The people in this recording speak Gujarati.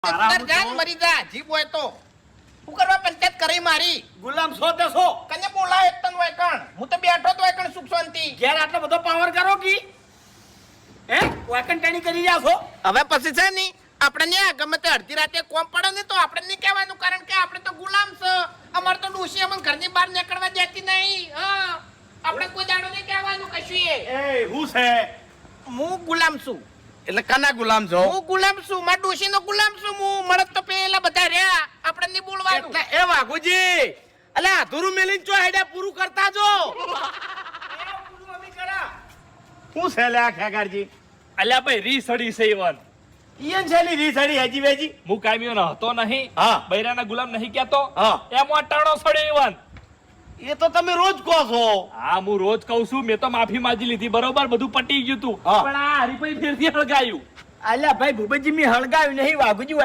મરી જા જીપ હોય તો હું કરવા પંચાયત કરી મારી ગુલામ છો તે છો કને બોલાય તન હોય કણ હું તો બેઠો તો હોય કણ સુખ શાંતિ ઘેર આટલો બધો પાવર કરો કી હે વાકન ટાણી કરી રહ્યા છો હવે પછી છે ની આપણે ને ગમે તે અડધી રાતે કોમ પડે ને તો આપણે નહીં કહેવાનું કારણ કે આપણે તો ગુલામ છે અમાર તો ડોશી અમને ઘરની બહાર નીકળવા દેતી નહીં હા આપણે કોઈ દાડો નહીં કહેવાનું કશું એ હું છે હું ગુલામ છું એટલે કના ગુલામ છો હું ગુલામ છું મારા ડોશીનો ગુલામ છું હું મળત તો પેલા બધા રહ્યા આપણે નહીં બોલવાનું એટલે એ વાઘુજી અલે અધૂરું મેલીન ચો હેડે પૂરું કરતા જો હું છે લે આ ખેગારજી અલ્યા ભાઈ રીસડી છે ઈવન ઈયન છે ની રીસડી હેજી વેજી હું કાયમીઓ નહોતો નહીં હા. બૈરાના ગુલામ નહીં કહેતો હા. એમાં ટાણો સડે ઈવન એ તો તમે રોજ કહો છો હા હું રોજ કહું છું મેં તો માફી માંગી લીધી બરોબર બધું પટી ગયું તું હા. પણ આ હરીભાઈ ફેરથી હળગાયું અલ્યા ભાઈ ભૂપતજી મી હળગાવ્યું નહીં વાઘુજી